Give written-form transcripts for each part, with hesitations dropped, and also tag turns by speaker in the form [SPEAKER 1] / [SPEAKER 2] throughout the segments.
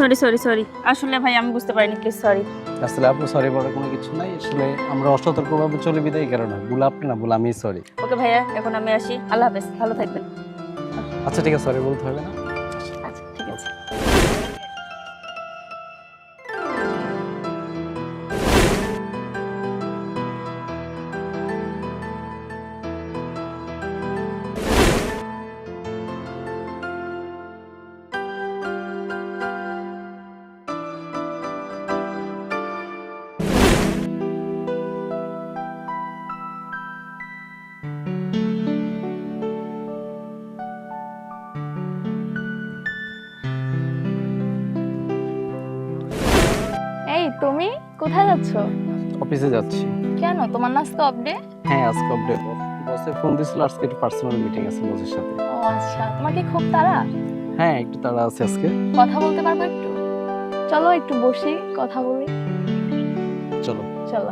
[SPEAKER 1] Sorry sorry sorry, আসলে ভাই আমি বুঝতে পারিনি, প্লিজ সরি।
[SPEAKER 2] আসলে আপনি সরি বলার কোনো কিছু নাই, আসলে আমরা অসতর্কভাবে চলে বিদায় এই কারণে ভুল আপনি না, ভুল আমি, সরি।
[SPEAKER 1] ওকে ভাইয়া, এখন আমি আসি, আল্লাহ হাফেজ, ভালো থাকবেন।
[SPEAKER 2] আচ্ছা ঠিক আছে, সরি বলতে হবে না।
[SPEAKER 1] আচ্ছা ঠিক আছে। এই তুমি কোথায় যাচ্ছ?
[SPEAKER 2] অফিসে যাচ্ছি।
[SPEAKER 1] কেন, তোমার না আজকে অফ ডে?
[SPEAKER 2] হ্যাঁ আজকে আপডেট, বসে ফোন দিছিল, আজকে একটু পার্সোনাল মিটিং আছে বসের সাথে।
[SPEAKER 1] ও আচ্ছা, তোমার কি খুব তাড়া?
[SPEAKER 2] হ্যাঁ একটু তাড়া আছে আজকে।
[SPEAKER 1] কথা বলতে পারবো একটু? চলো একটু বসি, কথা বলি।
[SPEAKER 2] চলো।
[SPEAKER 1] চলো।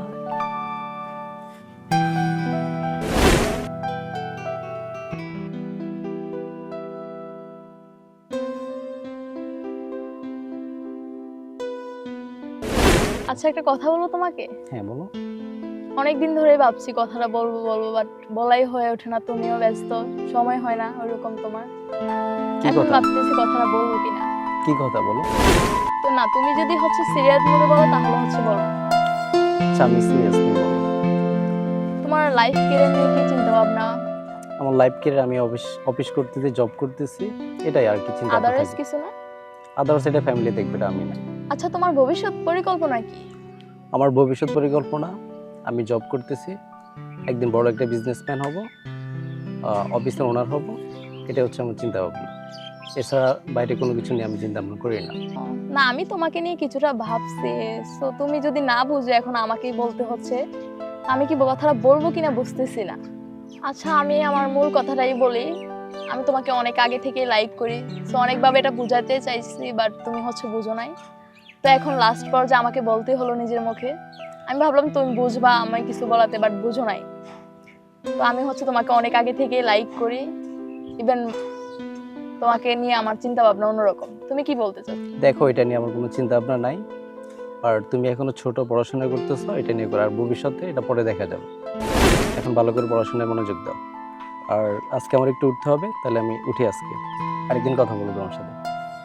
[SPEAKER 1] আচ্ছা একটা কথা বলবো তোমাকে?
[SPEAKER 2] হ্যাঁ বলো।
[SPEAKER 1] অনেকদিন ধরে ভাবছি কথাটা বলবো বলবো, বাট বলাই হয়ে ওঠে না, তুমিও ব্যস্ত, সময় হয় না ওরকম তোমার।
[SPEAKER 2] কি
[SPEAKER 1] এখন
[SPEAKER 2] কথা?
[SPEAKER 1] ভাবতেছি কথাটা বলবো কিনা।
[SPEAKER 2] কি কথা বলো?
[SPEAKER 1] তো না, তুমি যদি সিরিয়াস মোডে বলো তাহলে বলো।
[SPEAKER 2] আচ্ছা আমি সিরিয়াসলি বলো।
[SPEAKER 1] তোমার লাইফ কেরিয়ার নিয়ে কি চিন্তা ভাবনা?
[SPEAKER 2] আমার লাইফ কেরিয়ার, আমি অফিস করতেছি, জব করতেছি, এটাই আর কি চিন্তা
[SPEAKER 1] আদারওয়াইজ
[SPEAKER 2] থাকে।
[SPEAKER 1] কিছু না?
[SPEAKER 2] আদার্স এটা ফ্যামিলি দেখবে, এটা আমি না।
[SPEAKER 1] আচ্ছা তোমার ভবিষ্যৎ পরিকল্পনা কি?
[SPEAKER 2] আমার ভবিষ্যৎ পরিকল্পনা, আমি জব করতেছি, একদিন বড় একটা বিজনেসম্যান হব, অফিসের ওনার হব, এটা হচ্ছে আমার চিন্তা ভাবনা। এছাড়া বাইরে কোনো কিছু নিয়ে আমি চিন্তা ভাবনা করি না।
[SPEAKER 1] না আমি তোমাকে নিয়ে কিছুটা ভাবছি, সো তুমি যদি না বুঝো এখন আমাকেই বলতে হচ্ছে, আমি কি কথাটা বলবো কিনা বুঝতেছি না। আচ্ছা আমি আমার মূল কথাটাই বলি, আমি তোমাকে অনেক আগে থেকে লাইক করি, সো অনেকভাবে এটা বুঝাতে চাইছি, বাট তুমি বুঝো নাই। তো এখন লাস্ট পর্যায়ে আমাকে বলতে হলো নিজের মুখে। আমি ভাবলাম তুমি বুঝবা আমায় কিছু বলাতে, বাট বুঝো নাই। তো আমি তোমাকে অনেক আগে থেকে লাইক করি, ইভেন তোমাকে নিয়ে আমার চিন্তা ভাবনা অন্যরকম। তুমি কি বলতে চাও?
[SPEAKER 2] দেখো এটা নিয়ে আমার কোনো চিন্তা ভাবনা নাই, আর তুমি এখনো ছোট, পড়াশোনা করতেছো, এটা নিয়ে করো, আর ভবিষ্যতে এটা পরে দেখা যাবে। এখন ভালো করে পড়াশোনায় মনোযোগ দাও। আর আজকে আমার একটু উঠতে হবে, তাহলে আমি উঠি আজকে, আরেকদিন কথা বলবো তোমার সাথে।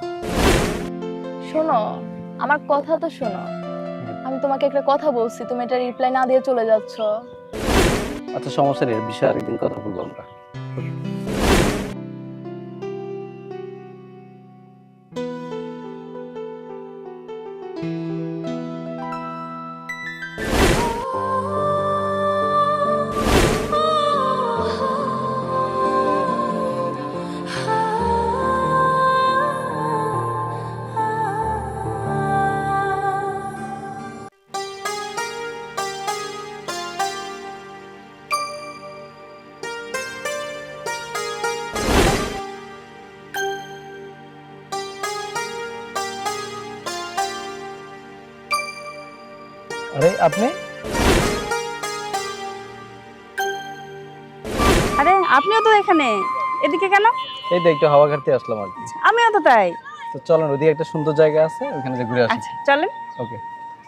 [SPEAKER 1] শোনো, আমার কথা তো শোনো। আমি তোমাকে একটা কথা বলছি, তুমি এটা রিপ্লাই না দিয়ে চলে যাচ্ছ।
[SPEAKER 2] আচ্ছা সমস্যা নেই, বিষয়ে আরেকদিন কথা বলবো আমরা। আরে আপনি?
[SPEAKER 3] আরে আপনিও তো এখানে, এদিকে কেন?
[SPEAKER 2] এই তো একটু হাওয়া খাইতে আসলাম আর কি।
[SPEAKER 3] আমিও তো তাই।
[SPEAKER 2] তো চলেন, ওদিকে একটা সুন্দর জায়গা আছে, ওখানে যে ঘুরে আসি।
[SPEAKER 3] আচ্ছা চলেন।
[SPEAKER 2] ওকে।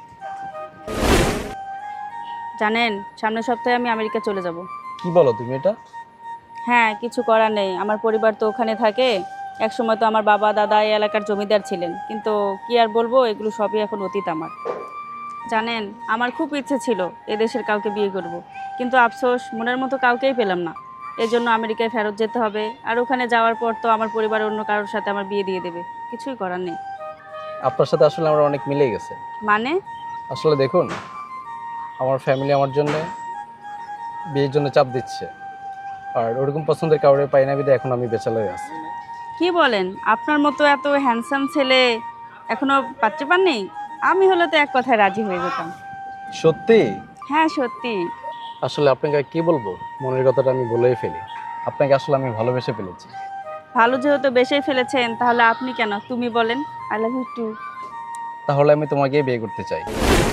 [SPEAKER 3] জানেন সামনের সপ্তাহে আমি আমেরিকা চলে যাব।
[SPEAKER 2] কি বলো তুমি এটা?
[SPEAKER 3] হ্যাঁ কিছু করার নেই, আমার পরিবার তো ওখানে থাকে। এক সময় তো আমার বাবা দাদা এই এলাকার জমিদার ছিলেন, কিন্তু কি আর বলবো, এগুলো সবই এখন অতীত আমার। জানেন আমার খুব ইচ্ছে ছিল এদেশের কাউকে বিয়ে করব, কিন্তু আফসোস মনের মতো কাউকেই পেলাম না। এজন্য আমেরিকায় ফেরত যেতে হবে, আর ওখানে যাওয়ার পর তো আমার পরিবার অন্য কারোর সাথে আমার বিয়ে দিয়ে দেবে, কিছুই করার নেই।
[SPEAKER 2] আপনার সাথে আসলে আমার অনেক মিলে গেছে।
[SPEAKER 3] মানে?
[SPEAKER 2] আসলে দেখুন, আমার ফ্যামিলি আমার জন্য বিয়ের জন্য চাপ দিচ্ছে, আর ওরকম পছন্দের কাউরে পাই না বিধে এখন আমি ব্যাচেলর আছি।
[SPEAKER 3] কি বলেন, আপনার মতো এত হ্যান্ডসাম ছেলে এখনো পাত্রী পাননি? আমি হলে তো এক কথায় রাজি হয়ে যেতাম।
[SPEAKER 2] সত্যি?
[SPEAKER 3] হ্যাঁ সত্যি।
[SPEAKER 2] আসলে আপনাকে কি বলবো, মনের কথাটা আমি বলেই ফেলি। আপনাকে আসলে আমি ভালোবেসে ফেলেছি।
[SPEAKER 3] ভালো যেহেতু বেসেই ফেলেছেন, তাহলে আপনি কেন তুমি বলেন। I love you too.
[SPEAKER 2] তাহলে আমি তোমাকেই বিয়ে করতে চাই।